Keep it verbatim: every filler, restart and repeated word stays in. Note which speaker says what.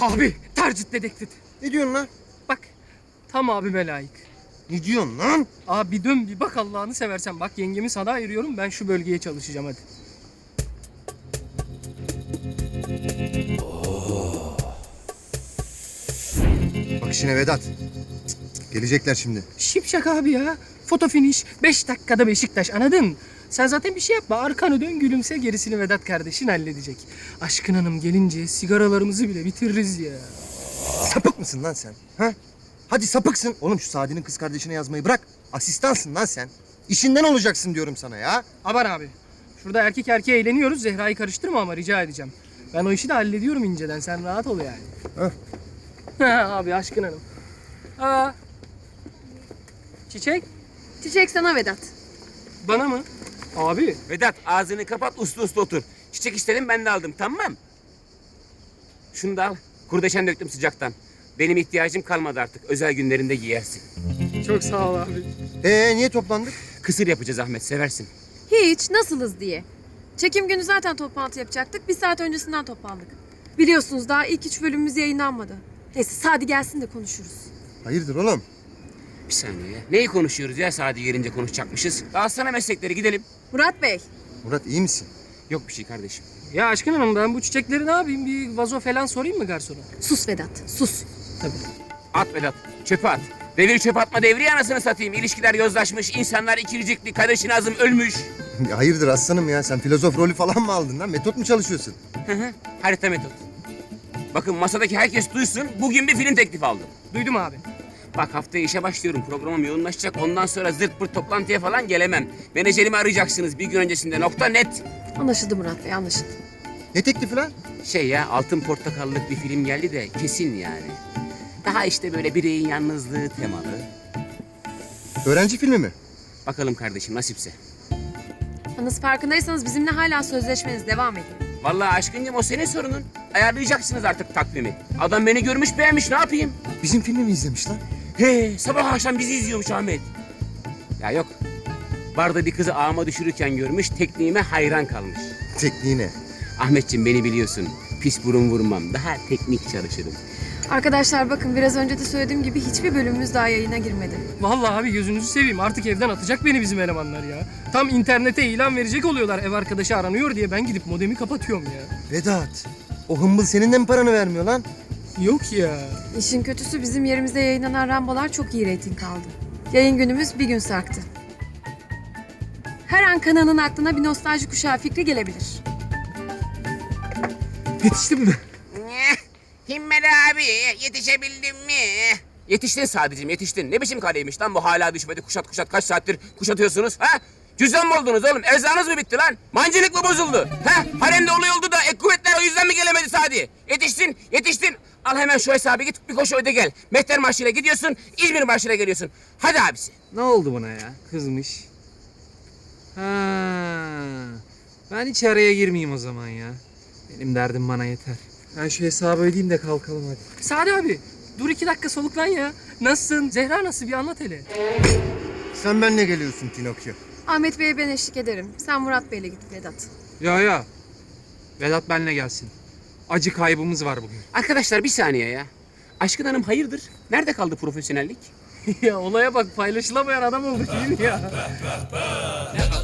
Speaker 1: Abi tercih dedektif.
Speaker 2: Ne diyorsun lan?
Speaker 1: Bak tam abime layık.
Speaker 2: Ne diyorsun lan?
Speaker 1: Abi bir dön bir bak Allah'ını seversen. Bak yengemi sana ayırıyorum, ben şu bölgeye çalışacağım hadi.
Speaker 2: Bak işine Vedat. Cık, cık, gelecekler şimdi.
Speaker 1: Şipşak abi ya. Foto finish. Beş dakikada Beşiktaş, anladın? Sen zaten bir şey yapma. Arkanı dön, gülümse, gerisini Vedat kardeşin halledecek. Aşkın Hanım gelince sigaralarımızı bile bitiririz ya.
Speaker 2: Sapık mısın lan sen? Ha? Hadi sapıksın. Oğlum şu Sadi'nin kız kardeşine yazmayı bırak. Asistansın lan sen. İşinden olacaksın diyorum sana ya.
Speaker 1: Aman abi. Şurada erkek erkeğe eğleniyoruz. Zehra'yı karıştırma ama rica edeceğim. Ben o işi de hallediyorum inceden. Sen rahat ol yani.
Speaker 2: Heh.
Speaker 1: Ha abi Aşkın Hanım. Aa. Çiçek
Speaker 3: Çiçek sana Vedat.
Speaker 1: bana mı? Abi.
Speaker 4: Vedat ağzını kapat uslu uslu otur. Çiçek istedim ben de aldım tamam. Şunu da al. Kurdeşen döktüm sıcaktan. Benim ihtiyacım kalmadı artık. Özel günlerinde giyersin.
Speaker 1: Çok sağ ol abi.
Speaker 2: Ee niye toplandık?
Speaker 4: Kısır yapacağız Ahmet seversin.
Speaker 3: Hiç, nasılız diye. Çekim günü zaten toplantı yapacaktık. Bir saat öncesinden toplandık. Biliyorsunuz daha ilk üç bölümümüz yayınlanmadı. Neyse Sadi gelsin de konuşuruz.
Speaker 2: Hayırdır oğlum?
Speaker 4: Bir saniye ya. Neyi konuşuyoruz ya Sadi gelince konuşacakmışız. Alsana meslekleri gidelim.
Speaker 3: Murat Bey,
Speaker 2: Murat iyi misin?
Speaker 4: Yok bir şey kardeşim.
Speaker 1: Ya Aşkın Hanım ben bu çiçekleri ne yapayım? Bir vazo falan sorayım mı garsona?
Speaker 3: sus Vedat, sus.
Speaker 1: Tabii.
Speaker 4: At Vedat çöpe at. Devir çöp atma devri anasını satayım. İlişkiler yozlaşmış, insanlar ikircikli, kardeşin azım ölmüş.
Speaker 2: Ya hayırdır aslanım ya? Sen filozof rolü falan mı aldın lan? Metot mu çalışıyorsun?
Speaker 4: Hı hı. Harita metot. Bakın masadaki herkes duysun. Bugün bir film teklifi aldım.
Speaker 1: Duydum abi.
Speaker 4: Bak haftaya işe başlıyorum. Programım yoğunlaşacak. Ondan sonra zırt pırt toplantıya falan gelemem. Menajerimi arayacaksınız bir gün öncesinde. Nokta net.
Speaker 3: Anlaşıldı Murat Bey, anlaşıldı.
Speaker 2: Ne teklifi lan?
Speaker 4: Şey ya altın portakallık bir film geldi de kesin yani. Daha işte böyle bireyin yalnızlığı temalı.
Speaker 2: Öğrenci filmi mi?
Speaker 4: Bakalım kardeşim nasipse.
Speaker 3: Yalnız farkındaysanız bizimle hala sözleşmeniz devam ediyor.
Speaker 4: Vallahi aşkıncım o senin sorunun. Ayarlayacaksınız artık takvimi. Adam beni görmüş beğenmiş ne yapayım?
Speaker 2: Bizim filmi mi izlemiş lan?
Speaker 4: He sabah akşam bizi izliyormuş Ahmet. Ya yok. Barda bir kızı ağıma düşürürken görmüş, tekniğime hayran kalmış.
Speaker 2: Tekniğine.
Speaker 4: Ahmetciğim beni biliyorsun. Pis burun vurmam. Daha teknik çalışırım.
Speaker 3: Arkadaşlar bakın biraz önce de söylediğim gibi hiçbir bölümümüz daha yayına girmedi.
Speaker 1: Vallahi abi gözünüzü seveyim. Artık evden atacak beni bizim elemanlar ya. Tam internete ilan verecek oluyorlar ev arkadaşı aranıyor diye. Ben gidip modemi kapatıyorum ya.
Speaker 2: Vedat. O hımbıl senin de mi paranı vermiyor lan?
Speaker 1: Yok ya.
Speaker 3: İşin kötüsü bizim yerimizde yayınlanan Rambolar çok iyi reyting aldı. Yayın günümüz bir gün sarktı. Her an kanalın aklına bir nostalji kuşağı fikri gelebilir.
Speaker 1: Yetiştim mi?
Speaker 4: Himmel abi yetişebildim mi? Yetiştin sadece yetiştin. Ne biçim kaleymiş lan bu hala düşmedi kuşat kuşat kaç saattir kuşatıyorsunuz ha? Cüzdan mı oldunuz oğlum? Erzağınız mı bitti lan? Mancınık mı bozuldu? Ha? Haremde olay oldu da ek kuvvetler o yüzden mi gelemedi Sadi? Yetiştin, yetiştin. Al hemen şu hesabı git bir koşu öde gel. Mehter Marşı'yla gidiyorsun, İzmir Marşı'yla geliyorsun. Hadi abisi.
Speaker 5: Ne oldu buna ya? Kızmış. Ha, ben hiç araya girmeyeyim o zaman ya. Benim derdim bana yeter. Ben şu hesabı ödeyeyim de kalkalım hadi.
Speaker 1: Sadi abi dur iki dakika soluklan ya. Nasılsın? Zehra nasıl bir anlat hele.
Speaker 2: Sen benimle geliyorsun Pinokyo.
Speaker 3: Ahmet Bey'e ben eşlik ederim. Sen Murat Bey'le git Vedat.
Speaker 5: Ya ya. Vedat benle gelsin. Acı kaybımız var bugün.
Speaker 4: Arkadaşlar bir saniye ya. Aşkın Hanım hayırdır? Nerede kaldı profesyonellik?
Speaker 1: Ya olaya bak, paylaşılamayan adam olduk değil mi ya?